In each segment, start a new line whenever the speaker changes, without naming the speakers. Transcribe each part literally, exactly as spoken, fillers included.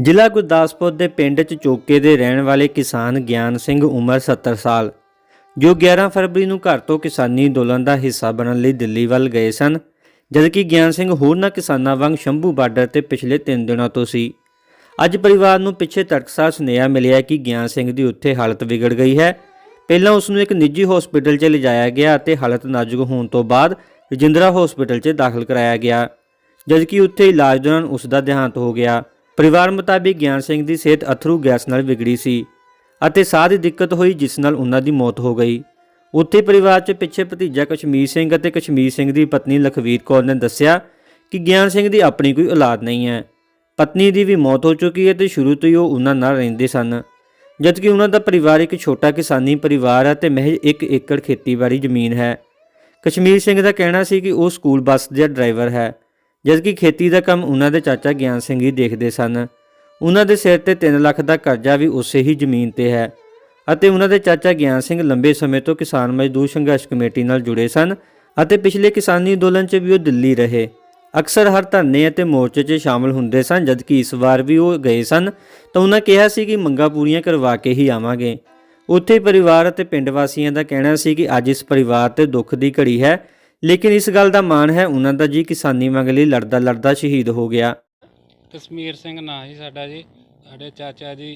ਜ਼ਿਲ੍ਹਾ ਗੁਰਦਾਸਪੁਰ ਦੇ ਪਿੰਡ ਚਚੋਕੇ ਦੇ ਰਹਿਣ ਵਾਲੇ ਕਿਸਾਨ ਗਿਆਨ ਸਿੰਘ ਉਮਰ ਸੱਤਰ ਸਾਲ ਜੋ ਗਿਆਰਾਂ ਫਰਵਰੀ ਨੂੰ ਘਰ ਤੋਂ ਕਿਸਾਨੀ ਅੰਦੋਲਨ ਦਾ ਹਿੱਸਾ ਬਣਨ ਲਈ ਦਿੱਲੀ ਵੱਲ ਗਏ ਸਨ, ਜਦਕਿ ਗਿਆਨ ਸਿੰਘ ਹੋਰਨਾਂ ਕਿਸਾਨਾਂ ਵਾਂਗ ਸ਼ੰਭੂ ਬਾਰਡਰ ਤੇ ਪਿਛਲੇ ਤਿੰਨ ਦਿਨਾਂ ਤੋਂ ਸੀ। ਅੱਜ ਪਰਿਵਾਰ ਨੂੰ ਪਿੱਛੇ ਤੜਕਸਾਰ ਸੁਨੇਹਾ ਮਿਲਿਆ ਕਿ ਗਿਆਨ ਸਿੰਘ ਦੀ ਉੱਥੇ ਹਾਲਤ ਵਿਗੜ ਗਈ ਹੈ। ਪਹਿਲਾਂ ਉਸ ਨੂੰ ਇੱਕ ਨਿੱਜੀ ਹਸਪਤਾਲ 'ਚ ਲਿਜਾਇਆ ਗਿਆ ਅਤੇ ਹਾਲਤ ਨਾਜ਼ੁਕ ਹੋਣ ਤੋਂ ਬਾਅਦ ਰਜਿੰਦਰਾ ਹਸਪਤਾਲ 'ਚ ਦਾਖਲ ਕਰਾਇਆ ਗਿਆ, ਜਦਕਿ ਉੱਥੇ ਇਲਾਜ ਦੌਰਾਨ ਉਸ ਦਾ ਦੇਹਾਂਤ ਹੋ ਗਿਆ। ਪਰਿਵਾਰ ਮੁਤਾਬਿਕ ਗਿਆਨ ਸਿੰਘ ਦੀ ਸਿਹਤ ਅਥਰੂ ਗੈਸ ਨਾਲ ਵਿਗੜੀ ਸੀ ਅਤੇ ਸਾਹ ਦੀ ਦਿੱਕਤ ਹੋਈ, ਜਿਸ ਨਾਲ ਉਹਨਾਂ ਦੀ ਮੌਤ ਹੋ ਗਈ। ਉੱਥੇ ਪਰਿਵਾਰ 'ਚ ਪਿੱਛੇ ਭਤੀਜਾ ਕਸ਼ਮੀਰ ਸਿੰਘ ਅਤੇ ਕਸ਼ਮੀਰ ਸਿੰਘ ਦੀ ਪਤਨੀ ਲਖਵੀਰ ਕੌਰ ਨੇ ਦੱਸਿਆ ਕਿ ਗਿਆਨ ਸਿੰਘ ਦੀ ਆਪਣੀ ਕੋਈ ਔਲਾਦ ਨਹੀਂ ਹੈ। ਪਤਨੀ ਦੀ ਵੀ ਮੌਤ ਹੋ ਚੁੱਕੀ ਹੈ ਤੇ ਸ਼ੁਰੂ ਤੋਂ ਹੀ ਉਹ ਉਹਨਾਂ ਨਾਲ ਰਹਿੰਦੇ ਸਨ, ਜਦਕਿ ਉਹਨਾਂ ਦਾ ਪਰਿਵਾਰ ਇੱਕ ਛੋਟਾ ਕਿਸਾਨੀ ਪਰਿਵਾਰ ਹੈ ਤੇ ਮਹਿਜ ਇੱਕ ਏਕੜ ਖੇਤੀਬਾੜੀ ਜ਼ਮੀਨ ਹੈ। ਕਸ਼ਮੀਰ ਸਿੰਘ ਦਾ ਕਹਿਣਾ ਸੀ ਕਿ ਉਹ ਸਕੂਲ ਬੱਸ ਦਾ ਡਰਾਈਵਰ ਹੈ, ਜਦਕਿ ਖੇਤੀ ਦਾ ਕੰਮ ਉਹਨਾਂ ਦੇ ਚਾਚਾ ਗਿਆਨ ਸਿੰਘ ਹੀ ਦੇਖਦੇ ਸਨ। ਉਹਨਾਂ ਦੇ ਸਿਰ ਤੇ ਤਿੰਨ ਲੱਖ ਦਾ ਕਰਜ਼ਾ ਵੀ ਉਸੇ ਹੀ ਜ਼ਮੀਨ ਤੇ ਹੈ ਅਤੇ ਉਹਨਾਂ ਦੇ ਚਾਚਾ ਗਿਆਨ ਸਿੰਘ ਲੰਬੇ ਸਮੇਂ ਤੋਂ ਕਿਸਾਨ ਮਜ਼ਦੂਰ ਸੰਘਰਸ਼ ਕਮੇਟੀ ਨਾਲ ਜੁੜੇ ਸਨ ਅਤੇ ਪਿਛਲੇ ਕਿਸਾਨੀ ਅੰਦੋਲਨ 'ਚ ਵੀ ਉਹ ਦਿੱਲੀ ਰਹੇ। ਅਕਸਰ ਹਰ ਧਰਨੇ ਅਤੇ ਮੋਰਚੇ 'ਚ ਸ਼ਾਮਲ ਹੁੰਦੇ ਸਨ, ਜਦਕਿ ਇਸ ਵਾਰ ਵੀ ਉਹ ਗਏ ਸਨ ਤਾਂ ਉਹਨਾਂ ਕਿਹਾ ਸੀ ਕਿ ਮੰਗਾਂ ਪੂਰੀਆਂ ਕਰਵਾ ਕੇ ਹੀ ਆਵਾਂਗੇ। ਉੱਥੇ ਪਰਿਵਾਰ ਅਤੇ ਪਿੰਡ ਵਾਸੀਆਂ ਦਾ ਕਹਿਣਾ ਸੀ ਕਿ ਅੱਜ ਇਸ ਪਰਿਵਾਰ ਤੇ ਦੁੱਖ ਦੀ ਘੜੀ ਹੈ, ਲੇਕਿਨ ਇਸ ਗੱਲ ਦਾ ਮਾਣ ਹੈ ਉਹਨਾਂ ਦਾ ਜੀ ਕਿਸਾਨੀ ਮੰਗ ਲਈ ਲੜਦਾ ਲੜਦਾ ਸ਼ਹੀਦ ਹੋ ਗਿਆ।
ਕਸ਼ਮੀਰ ਸਿੰਘ ਨਾਂ ਸੀ ਸਾਡਾ ਜੀ। ਸਾਡੇ ਚਾਚਾ ਜੀ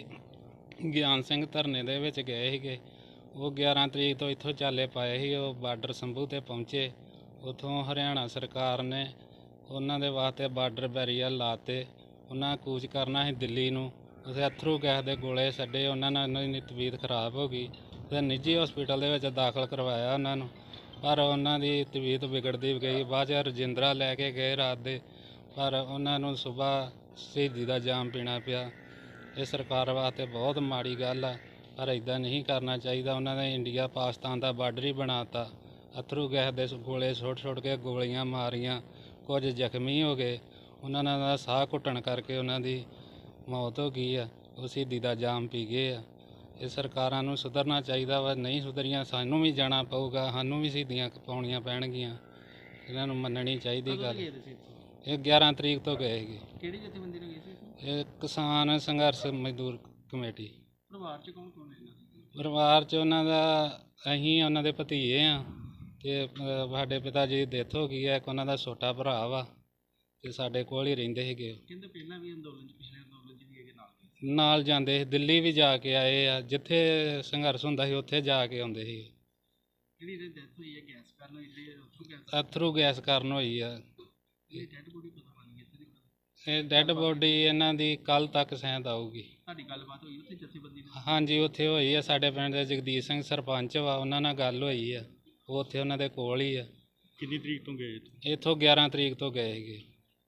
ਗਿਆਨ ਸਿੰਘ ਧਰਨੇ ਦੇ ਵਿੱਚ ਗਏ ਸੀਗੇ। ਉਹ ਗਿਆਰਾਂ ਤਰੀਕ ਤੋਂ ਇੱਥੋਂ ਚਾਲੇ ਪਾਏ ਸੀ। ਉਹ ਬਾਰਡਰ ਸੰਭੂ 'ਤੇ ਪਹੁੰਚੇ। ਉੱਥੋਂ ਹਰਿਆਣਾ ਸਰਕਾਰ ਨੇ ਉਹਨਾਂ ਦੇ ਵਾਸਤੇ ਬਾਰਡਰ ਬੈਰੀਅਰ ਲਾਤੇ। ਉਹਨਾਂ ਕੂਚ ਕਰਨਾ ਸੀ ਦਿੱਲੀ ਨੂੰ। ਉੱਥੇ ਅਥਰੂ ਗੈਸ ਦੇ ਗੋਲੇ ਛੱਡੇ। ਉਹਨਾਂ ਨਾਲ ਉਹਨਾਂ ਦੀ ਤਬੀਅਤ ਖਰਾਬ ਹੋ ਗਈ ਅਤੇ ਨਿੱਜੀ ਹਸਪੀਟਲ ਦੇ ਵਿੱਚ ਦਾਖਲ ਕਰਵਾਇਆ ਉਹਨਾਂ ਨੂੰ, ਪਰ ਉਹਨਾਂ ਦੀ ਤਬੀਅਤ ਵਿਗੜਦੀ ਗਈ। ਬਾਅਦ 'ਚ ਰਜਿੰਦਰਾ ਲੈ ਕੇ ਗਏ ਰਾਤ ਦੇ, ਪਰ ਉਹਨਾਂ ਨੂੰ ਸੁਬਾਹ ਸ਼ਹੀਦੀ ਦਾ ਜਾਮ ਪੀਣਾ ਪਿਆ। ਇਹ ਸਰਕਾਰ ਵਾਸਤੇ ਬਹੁਤ ਮਾੜੀ ਗੱਲ ਆ, ਪਰ ਇੱਦਾਂ ਨਹੀਂ ਕਰਨਾ ਚਾਹੀਦਾ। ਉਹਨਾਂ ਨੇ ਇੰਡੀਆ ਪਾਕਿਸਤਾਨ ਦਾ ਬਾਰਡਰ ਹੀ ਬਣਾ ਤਾ। ਅਥਰੂ ਗੈਸ ਦੇ ਗੋਲੇ ਸੁੱਟ ਸੁੱਟ ਕੇ ਗੋਲੀਆਂ ਮਾਰੀਆਂ, ਕੁਝ ਜ਼ਖਮੀ ਹੋ ਗਏ। ਉਹਨਾਂ ਦਾ ਸਾਹ ਘੁੱਟਣ ਕਰਕੇ ਉਹਨਾਂ ਦੀ ਮੌਤ ਹੋ ਗਈ ਆ। ਉਹ ਸ਼ਹੀਦੀ ਦਾ ਜਾਮ ਪੀ ਗਏ ਆ। ਇਹ ਸਰਕਾਰਾਂ ਨੂੰ ਸੁਧਰਨਾ ਚਾਹੀਦਾ ਵਾ। ਨਹੀਂ ਸੁਧਰੀਆਂ ਸਾਨੂੰ ਵੀ ਜਾਣਾ ਪਊਗਾ, ਸਾਨੂੰ ਵੀ ਸ਼ਹੀਦੀਆਂ ਪਾਉਣੀਆਂ ਪੈਣਗੀਆਂ। ਇਹਨਾਂ ਨੂੰ ਮੰਨਣੀ ਚਾਹੀਦੀ ਗੱਲ। ਇਹ ਗਿਆਰਾਂ ਤਰੀਕ ਤੋਂ ਗਏ ਸੀਗੇ।
ਕਿਹੜੀ ਜਥੇਬੰਦੀ ਨਾਲ ਗਏ ਸੀ?
ਇਹ ਕਿਸਾਨ ਸੰਘਰਸ਼ ਮਜ਼ਦੂਰ ਕਮੇਟੀ।
ਪਰਿਵਾਰ 'ਚ ਕੌਣ ਕੌਣ ਹੈ ਇਹਨਾਂ ਦੇ?
ਪਰਿਵਾਰ 'ਚ ਉਹਨਾਂ ਦਾ ਅਸੀਂ ਉਹਨਾਂ ਦੇ ਭਤੀਜੇ ਆ ਅਤੇ ਸਾਡੇ ਪਿਤਾ ਜੀ ਦੀ ਡੈਥ ਹੋ ਗਈ ਹੈ। ਇੱਕ ਉਹਨਾਂ ਦਾ ਛੋਟਾ ਭਰਾ ਵਾ ਅਤੇ ਸਾਡੇ ਕੋਲ ਹੀ ਰਹਿੰਦੇ ਸੀਗੇ।
ਕਹਿੰਦੇ ਪਹਿਲਾਂ ਵੀ ਅੰਦੋਲਨ 'ਚ, ਪਿਛਲੇ ਅੰਦੋਲਨ 'ਚ ਵੀ ਹੈਗੇ ਨਾਲ
ਨਾਲ ਜਾਂਦੇ ਸੀ। ਦਿੱਲੀ ਵੀ ਜਾ ਕੇ ਆਏ ਆ। ਜਿੱਥੇ ਸੰਘਰਸ਼ ਹੁੰਦਾ ਸੀ ਉੱਥੇ ਜਾ ਕੇ ਆਉਂਦੇ ਸੀ।
ਜਿਹੜੀ ਇਹਦੀ ਡੈਥ ਹੋਈ ਹੈ ਗੈਸ ਕਾਰਨ ਹੋਈ, ਜਿਹੜੀ ਅਥਰੂ ਗੈਸ
ਅਥਰੂ ਗੈਸ ਕਾਰਨ ਹੋਈ ਆ।
ਇਹ ਡੈਡ ਬੋਡੀ ਪਤਾ ਬਣੀ ਇੱਥੇ ਦੀ?
ਇਹ ਡੈੱਡ ਬੋਡੀ ਇਹਨਾਂ ਦੀ ਕੱਲ੍ਹ ਤੱਕ ਸ਼ਾਇਦ ਆਊਗੀ।
ਤੁਹਾਡੀ ਗੱਲਬਾਤ ਹੋਈ ਉੱਥੇ ਜਥੇਬੰਦੀ ਨਾਲ?
ਹਾਂਜੀ, ਉੱਥੇ ਹੋਈ ਆ। ਸਾਡੇ ਪਿੰਡ ਦੇ ਜਗਦੀਸ਼ ਸਿੰਘ ਸਰਪੰਚ ਵਾ, ਉਹਨਾਂ ਨਾਲ ਗੱਲ ਹੋਈ ਆ। ਉਹ ਉੱਥੇ ਉਹਨਾਂ ਦੇ ਕੋਲ ਹੀ ਆ।
ਕਿੰਨੀ ਤਰੀਕ ਤੋਂ ਗਏ?
ਇੱਥੋਂ ਗਿਆਰਾਂ ਤਰੀਕ ਤੋਂ ਗਏ ਸੀਗੇ।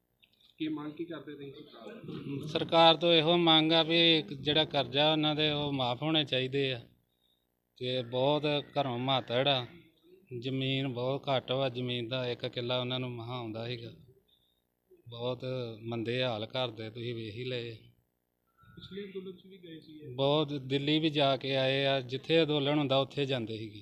ਕੀ ਮੰਗ ਕੀ ਕਰਦੇ ਤੁਸੀਂ?
ਸਰਕਾਰ ਤੋਂ ਇਹੋ ਮੰਗ ਆ ਵੀ ਜਿਹੜਾ ਕਰਜ਼ਾ ਉਹਨਾਂ ਦੇ ਉਹ ਮਾਫ ਹੋਣੇ ਚਾਹੀਦੇ ਆ ਅਤੇ ਬਹੁਤ ਘਰੋਂ ਮਾਤੜ ਆ। ਜ਼ਮੀਨ ਬਹੁਤ ਘੱਟ ਵਾ। ਜ਼ਮੀਨ ਦਾ ਇੱਕ ਕਿੱਲਾ ਉਹਨਾਂ ਨੂੰ ਮਹਾਂ ਆਉਂਦਾ ਸੀਗਾ। ਬਹੁਤ ਮੰਦੇ ਹਾਲ ਘਰ ਦੇ, ਤੁਸੀਂ ਵੇਖ ਹੀ ਲਏ।
ਪਿਛਲੇ ਅੰਦੋਲਨ 'ਚ ਵੀ ਗਏ ਸੀ?
ਬਹੁਤ ਦਿੱਲੀ ਵੀ ਜਾ ਕੇ ਆਏ ਆ। ਜਿੱਥੇ ਅੰਦੋਲਨ ਹੁੰਦਾ ਉੱਥੇ ਜਾਂਦੇ ਸੀਗੇ।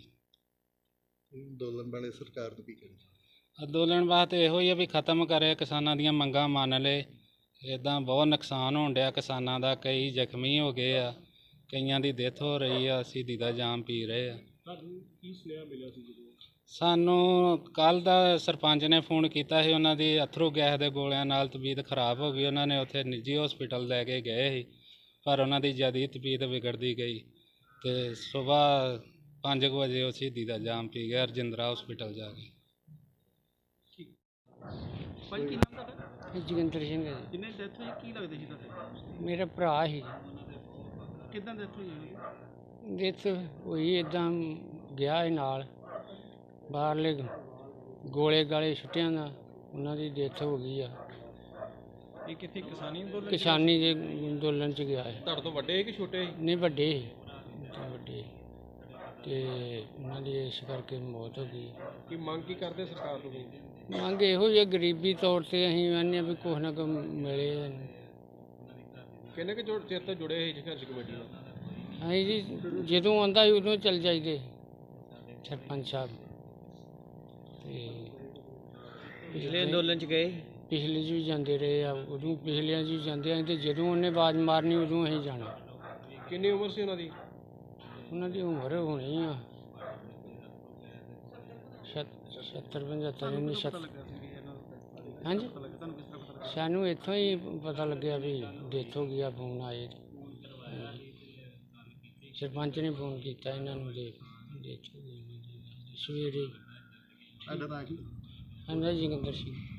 ਅੰਦੋਲਨ ਵਾਲੇ ਸਰਕਾਰ ਨੂੰ ਕੀ ਕਰੇ?
ਅੰਦੋਲਨ ਵਾਸਤੇ ਇਹੋ ਹੀ ਆ ਵੀ ਖਤਮ ਕਰੇ, ਕਿਸਾਨਾਂ ਦੀਆਂ ਮੰਗਾਂ ਮੰਨ ਲਏ। ਇੱਦਾਂ ਬਹੁਤ ਨੁਕਸਾਨ ਹੋਣ ਡਿਆ ਕਿਸਾਨਾਂ ਦਾ। ਕਈ ਜ਼ਖਮੀ ਹੋ ਗਏ ਆ, ਕਈਆਂ ਦੀ ਡੈਥ ਹੋ ਰਹੀ ਆ, ਸ਼ਹੀਦੀ ਦਾ ਜਾਮ ਪੀ ਰਹੇ ਆ।
ਤੁਹਾਨੂੰ ਕੀ ਸੁਨੇਹਾ ਮਿਲਿਆ ਸੀ ਜਦੋਂ?
ਸਾਨੂੰ ਕੱਲ੍ਹ ਦਾ ਸਰਪੰਚ ਨੇ ਫੋਨ ਕੀਤਾ ਸੀ। ਉਹਨਾਂ ਦੀ ਅਥਰੂ ਗੈਸ ਦੇ ਗੋਲਿਆਂ ਨਾਲ ਤਬੀਅਤ ਖਰਾਬ ਹੋ ਗਈ। ਉਹਨਾਂ ਨੇ ਉੱਥੇ ਨਿੱਜੀ ਹਸਪੀਟਲ ਲੈ ਕੇ ਗਏ ਸੀ, ਪਰ ਉਹਨਾਂ ਦੀ ਜ਼ਿਆਦਾ ਤਬੀਅਤ ਵਿਗੜਦੀ ਗਈ ਅਤੇ ਸੁਬਾਹ ਪੰਜ ਕੁ ਵਜੇ ਉਹ ਸ਼ਹੀਦੀ ਦਾ ਜਾਮ ਪੀ ਗਿਆ ਰਜਿੰਦਰਾ ਹਸਪੀਟਲ ਜਾ ਕੇ।
ਭਾਈ ਕੀ ਨਾਮ ਤੁਹਾਡਾ?
ਜੋਗਿੰਦਰ ਸਿੰਘ ਹੈ ਜੀ।
ਕਿੰਨੇ ਡੈਥ ਹੋਈ? ਕੀ ਲੱਗਦੇ ਸੀ ਤੁਹਾਡੇ?
ਮੇਰਾ ਭਰਾ ਸੀ।
ਕਿੱਦਾਂ ਡੈਥ ਹੋਈ ਉਹਦੀ?
ਡੈਥ ਹੋਈ ਇੱਦਾਂ ਗਿਆ ਸੀ ਨਾਲ, ਬਾਹਰਲੇ ਗੋਲੇ ਗਾਲੇ ਛੁੱਟਿਆਂ ਦਾ ਉਹਨਾਂ ਦੀ ਡੈਥ ਹੋ ਗਈ ਆ।
ਇਹ ਕਿੱਥੇ ਕਿਸਾਨੀ ਅੰਦੋਲਨ?
ਕਿਸਾਨੀ ਦੇ ਅੰਦੋਲਨ 'ਚ ਗਿਆ ਹੈ।
ਤੁਹਾਡੇ ਤੋਂ ਵੱਡੇ ਕਿ ਛੋਟੇ?
ਨਹੀਂ ਵੱਡੇ ਸੀ, ਤਾਂ ਵੱਡੇ ਅਤੇ ਉਹਨਾਂ ਦੀ ਇਸ ਕਰਕੇ ਮੌਤ ਹੋ ਗਈ।
ਕੀ ਮੰਗ ਕੀ ਕਰਦੇ ਸਰਕਾਰ ਤੋਂ?
ਮੰਗ ਇਹੋ ਜਿਹੀ ਗਰੀਬੀ ਤੌਰ 'ਤੇ ਅਸੀਂ ਕਹਿੰਦੇ ਹਾਂ ਵੀ ਕੁਛ ਨਾ ਕੁਛ ਮਿਲੇ।
ਕਿੰਨੇ ਕੁ ਜੁੜ ਚਿਰ ਤੋਂ ਜੁੜੇ ਸੀ ਸੰਘਰਸ਼ ਕਮੇਟੀ ਨਾਲ?
ਅਸੀਂ ਜੀ ਜਦੋਂ ਆਉਂਦਾ ਸੀ ਉਦੋਂ ਚੱਲ ਜਾਈਦੇ ਸਰਪੰਚ ਸਾਹਿਬ। ਅਤੇ
ਪਿਛਲੇ ਅੰਦੋਲਨ 'ਚ ਗਏ?
ਪਿਛਲੇ 'ਚ ਵੀ ਜਾਂਦੇ ਰਹੇ ਆ, ਉਦੋਂ ਪਿਛਲਿਆਂ 'ਚ ਵੀ ਜਾਂਦੇ ਆ ਤੇ ਜਦੋਂ ਉਹਨੇ ਆਵਾਜ਼ ਮਾਰਨੀ ਉਦੋਂ ਅਸੀਂ ਜਾਣਾ।
ਕਿੰਨੀ ਉਮਰ ਸੀ ਉਹਨਾਂ ਦੀ?
ਉਹਨਾਂ ਦੀ ਉਮਰ ਹੋਣੀ ਆ ਸੱਤਰ ਪੰਝੱਤਰ ਇੰਨੀ ਸੱਤ ਹਾਂਜੀ ਸਾਨੂੰ ਇੱਥੋਂ ਹੀ ਪਤਾ ਲੱਗਿਆ ਵੀ ਡੈਥ ਹੋ ਗਈ ਆ, ਫੋਨ ਆਏ ਹਾਂਜੀ। ਸਰਪੰਚ ਨੇ ਫੋਨ ਕੀਤਾ ਇਹਨਾਂ ਨੂੰ ਦੇ ਡੈਥ ਹੋ ਗਈ ਸਵੇਰੇ।
ਤੁਹਾਡਾ ਨਾਂ ਕੀ?
ਹਾਂਜੀ ਜੋਗਿੰਦਰ ਸਿੰਘ।